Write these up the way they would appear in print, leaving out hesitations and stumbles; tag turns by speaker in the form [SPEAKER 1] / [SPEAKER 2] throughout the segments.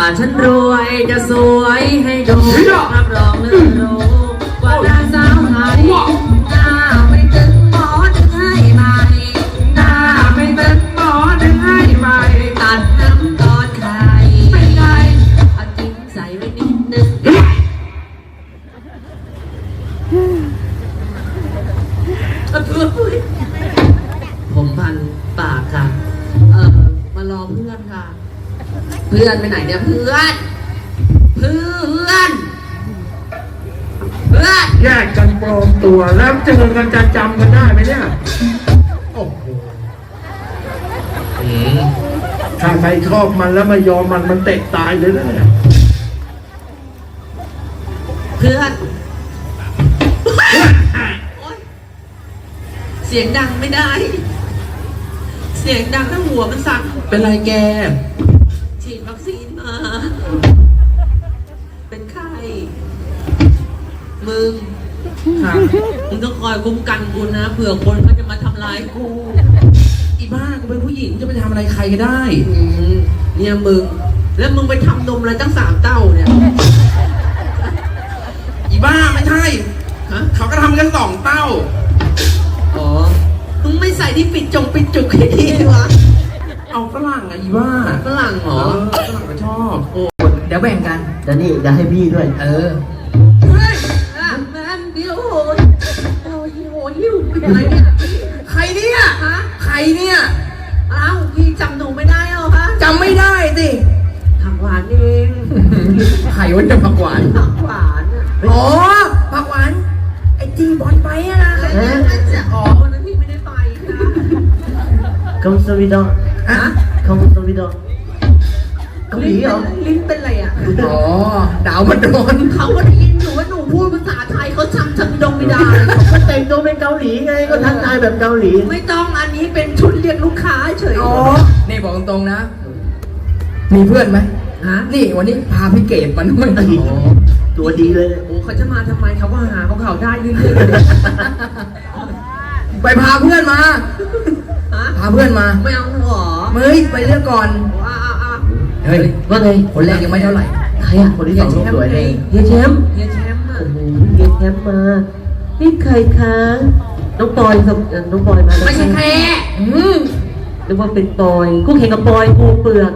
[SPEAKER 1] ฉันรวยจะสวยให้ดูรับรองเรื่องรู้ว่าดาสาวไทยหน้าไม่ตึงหมอดึงให้ใหม่หน้าไม่ตึงหมอดึงให้ใหม่ตัดน้ำตอนไข่ไม่ไงเอาจิ้มใส่ไว้นิดนึงผมพันปากค่ะมารอเพื่อนค่ะเพื่อนไปไหนเนี่ยเพื่อน
[SPEAKER 2] แยกกันปลอมตัวแล้วเจอกันจะจำกันได้ไหมเนี่ยโอ้โหถ้าใครชอบมันแล้วไม่ยอมมันเตะตายเลยนะเนี่ย
[SPEAKER 1] เพื่อนเสียงดังไม่ได้เสียงดังแล้วหัวมันสั่น
[SPEAKER 2] เป็นไรแก
[SPEAKER 1] ฉีดวัคซีนมาเป็นไข้มึงต้องคอยคุ้มกันกูนะเผื่อคนเขาจะมาทำร้ายกู
[SPEAKER 2] อีบ้ากูเป็นผู้หญิงจะไปทำอะไรใครก็ได้
[SPEAKER 1] เนี่ยมึงแล้วมึงไปทำนมอะไรตั้ง3 เต้าเนี่ย
[SPEAKER 2] อีบ้าไม่ใช่เขาก็ทำกัน2 เต้า
[SPEAKER 1] อ๋อมึงไม่ใส่ที่ปิดจุกให้ดีวะ
[SPEAKER 2] เอาฝรั่งอะอีบ้า
[SPEAKER 1] ฝรั่งเหรอ
[SPEAKER 2] ฝรั่งก็ชอบ
[SPEAKER 1] โอ้เดี๋ยวแบ่งกัน
[SPEAKER 3] เดี๋ยวนี่เดี๋ยวให้พี่ด้วย
[SPEAKER 1] เฮ้ยแมนเดียวโหหิวเป็นอะไรเนี่ย
[SPEAKER 2] ใครเนี่ยใครเนี่ย
[SPEAKER 1] อ้าวพี่จำหนูไม่ได้หรอคะ
[SPEAKER 2] จำไม่ได้สิ
[SPEAKER 1] ผักหวานเอง
[SPEAKER 2] ใครวันจะผักหวานอ๋อผักหวานไอจีบอลไปอะนะ
[SPEAKER 1] อ๋อวันนั้นพี่ไม่ได้ไปค่ะ
[SPEAKER 3] คำสวิดอคำสวิดอเกาหลีเหรอ
[SPEAKER 1] ลิ้นเป็นอะไรอ่ะ
[SPEAKER 2] อ๋อดาวมันโดน
[SPEAKER 1] เขาก็ได้ยินหนูว่าหนูพูดภาษาไทยเขาจำไม่ได้
[SPEAKER 3] ก็แต่งตัวเป็นเกาหลีไงก็ทักทายแบบเกาหลี
[SPEAKER 1] ไม่ต้องอันนี้เป็นชุดเรียกลูกค้าเฉย
[SPEAKER 2] อ๋อนี่บอกตรงๆนะมีเพื่อนไหมนี่วันนี้พาพี่เกดมาด้วย
[SPEAKER 3] ตัวดีเลย
[SPEAKER 1] โอ้เขาจะมาทำไมเขาว่าหาของเขาได้เรื่อย
[SPEAKER 2] ๆไปพาเพื่อนมาพาเพื่อนมา
[SPEAKER 1] ไม่เอาหรอ
[SPEAKER 2] ไปเลือกก่อนเฮ้ย
[SPEAKER 3] ว่าไง
[SPEAKER 2] คนแรกยังไม่เท่าไหร่
[SPEAKER 3] ใครคนที่2สวยเลย
[SPEAKER 1] เฮียแชมป์
[SPEAKER 3] โอ้โหเฮียแชมป์มานี่ใครคะน้องปอยครับน้องปอยมา
[SPEAKER 1] ไม่ใช่แค่
[SPEAKER 3] นึกว่าเป็นปอยกูแข่งกับปอยกูเปลือก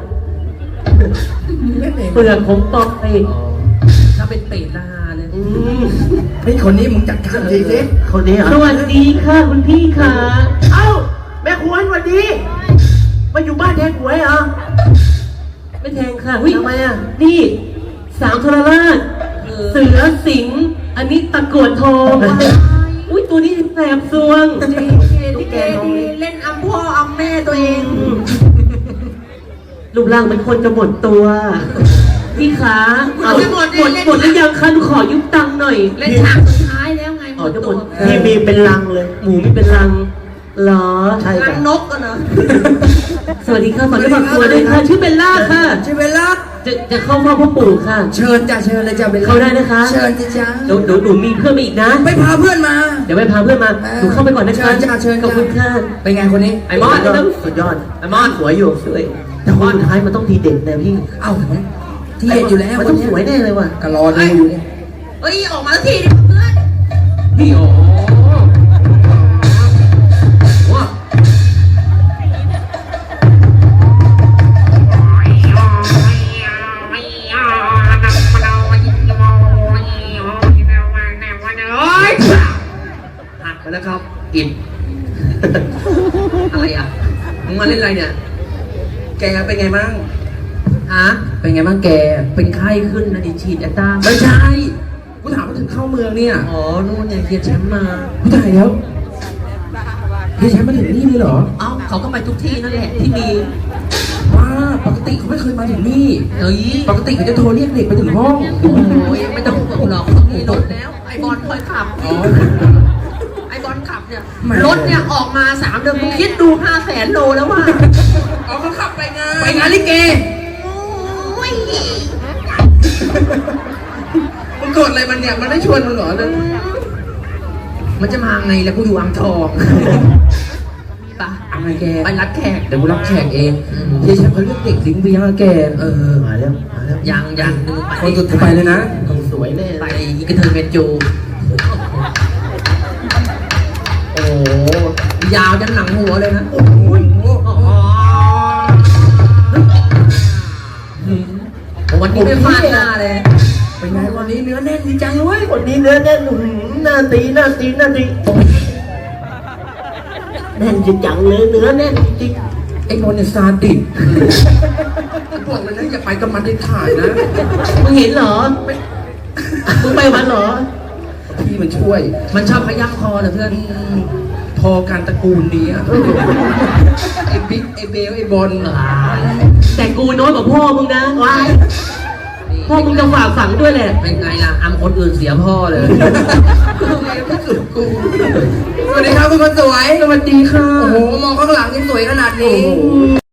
[SPEAKER 3] ของปอย
[SPEAKER 1] ถ้าเป็นเตะนาเลย
[SPEAKER 2] เฮ้ยคนนี้มึงจัดการดีสิ
[SPEAKER 3] คนนี้สวัสดีค่ะคุณพี่ค่ะเอ้าแม่ขวัญสวัสดีมาอยู่บ้านแทงหวยเหรอไม่แทงค่ะทำไมอ่ะนี่สาวโทรราชเสือสิงอันนี้ตะกรวดทองอุ้ยตัวนี้แสบซวง
[SPEAKER 1] ที่แกเล่นอัมพ่ออัมแม่ตัวเอง
[SPEAKER 3] รูปร่างเป็นคนจะหมดตัวพี่ขาหมดหรือยังคะหนูขอยุบตังค์หน่อย
[SPEAKER 1] เล่นฉากสุดท้ายแล้วไง
[SPEAKER 3] หมดตัวพี่มีเป็นลังเลยหมูมีเป็นลังเหรอ
[SPEAKER 1] ใช่รังนกกันเหรอ
[SPEAKER 3] สวัสดีค่ะฝากตัวด้วยค่ะชื่อเบลล่าค่ะ
[SPEAKER 2] ชื่อเบลล่า
[SPEAKER 3] จะเข้าพ่อพ่อปู่ค่ะ
[SPEAKER 2] เชิญเลยจ้ะเบลล่า
[SPEAKER 3] เข้าได้นะคะ
[SPEAKER 2] เชิญจ้ะ
[SPEAKER 3] หนูมีเพื่อนมาอีกนะ
[SPEAKER 2] ไปพาเพื่อนมา
[SPEAKER 3] เดี๋ยวไปพาเพื่อนมาหนูเข้าไปก่อนนะคะ
[SPEAKER 2] เชิญ
[SPEAKER 3] ขอบคุณค่ะ
[SPEAKER 2] เป็นไงคนนี้
[SPEAKER 3] ไอ้มอสสุดยอดไอ้มอสสวยอยู่สวยแต่คนสุดท้ายมันต้องทีเด็ดนะพี่
[SPEAKER 2] เอ้าที่เด็ดอยู่แล้ว
[SPEAKER 3] มันต้องสวยแน่เลยว่ะ
[SPEAKER 2] ก็รอดูอยู่เนี่ย
[SPEAKER 1] เฮ้ยออกมาสักทีดิเพื่อน
[SPEAKER 2] พี่โอ้นะครับกิน
[SPEAKER 1] อะไรอ่ะมึงมาเล่นอะไรเนี่ย
[SPEAKER 2] แกเป็นไงบ้าง
[SPEAKER 1] เป็นไงบ้างแกเป็นไข้ขึ้นนะดิฉีดแอตตา
[SPEAKER 2] ไม่ใช่กูถามว่าถึงเข้าเมืองเนี่ย
[SPEAKER 1] อ๋อนู่นเนี่ยเฮียแชมป์มา
[SPEAKER 2] กูถ่ายแล้วเฮียแชมป์มาถึงนี่เลยเหรอ
[SPEAKER 1] เอ้าเขาก็ไปทุกที่นั่นแหละที่มี
[SPEAKER 2] ปกติเขาไม่เคยมาถึงนี่ปกติเขาจะโทรเรียกเด็กไปถึงห้อง
[SPEAKER 1] โอ้ยไม่ต้องห่วงหรอกตรงนี้รถแล้วไอบอลคอยขับไอบอลขับเนี่ยรถเนี่ยออกมา3 เดือนมึงคิดดู500,000 โลแล้วว่ะ
[SPEAKER 2] เอาเขาขับไปงานลิเกมึงโกรธอะไรมันเนี่ยมันได้ชวนมึงเหรอ
[SPEAKER 1] มันจะมาไงแล้วกูอยู่อ่างทองปะ
[SPEAKER 2] อะไรแก
[SPEAKER 1] ไปรับแขก
[SPEAKER 2] เดี๋ยวกูรับแขกเองเฮียแชมป์เขาเรียกเด็กลิงเบียร์แก
[SPEAKER 3] มาแล้วมาแล้ว
[SPEAKER 1] ยังนึง
[SPEAKER 2] คนสุดท้ายเลยนะ
[SPEAKER 3] ต้องสวยแน่
[SPEAKER 1] ไปอีกระเทยเมจู
[SPEAKER 2] โอ้โห
[SPEAKER 1] ยาวจนหนังหัวเลยนะ
[SPEAKER 2] โอ้โห
[SPEAKER 1] วันนี้ไม่พลาดหน้าเลย
[SPEAKER 2] เป็นไงวันนี้เนื้อแน่นดีจังเลย
[SPEAKER 3] คนนี้เนื้อแน่นหน้าตีหน้าตีหน้าตีแน่นจริงจังเลยเนื้อแน่นจริง
[SPEAKER 2] ไอ้นนท์เนี่ยซาดิสบอกเลยนะอย่าไปกับมันได้ถ่ายนะ
[SPEAKER 3] มึงเห็นเหรอมึงไปมันเหรอ
[SPEAKER 2] พี่มันช่วย
[SPEAKER 1] มันชอบขย้ำคอเหรอเพื่อน
[SPEAKER 2] พอการตระกูลนี้อะไอ้บิ๊กไอ้เบลไอ้บอล
[SPEAKER 3] แต่กูน้อยกว่าพ่อมึงนะพ่อมึงจะฝากฝังด้วยแหละ
[SPEAKER 1] เป็นไงล่ะอำคนอื่นเสียพ่อเลย
[SPEAKER 2] ไม่สุดกูสวัสดีครับคุณคนสวย
[SPEAKER 1] สวัสดีค่ะ
[SPEAKER 2] โอ้โห มองข้างหลังยังสวยขนาดนี้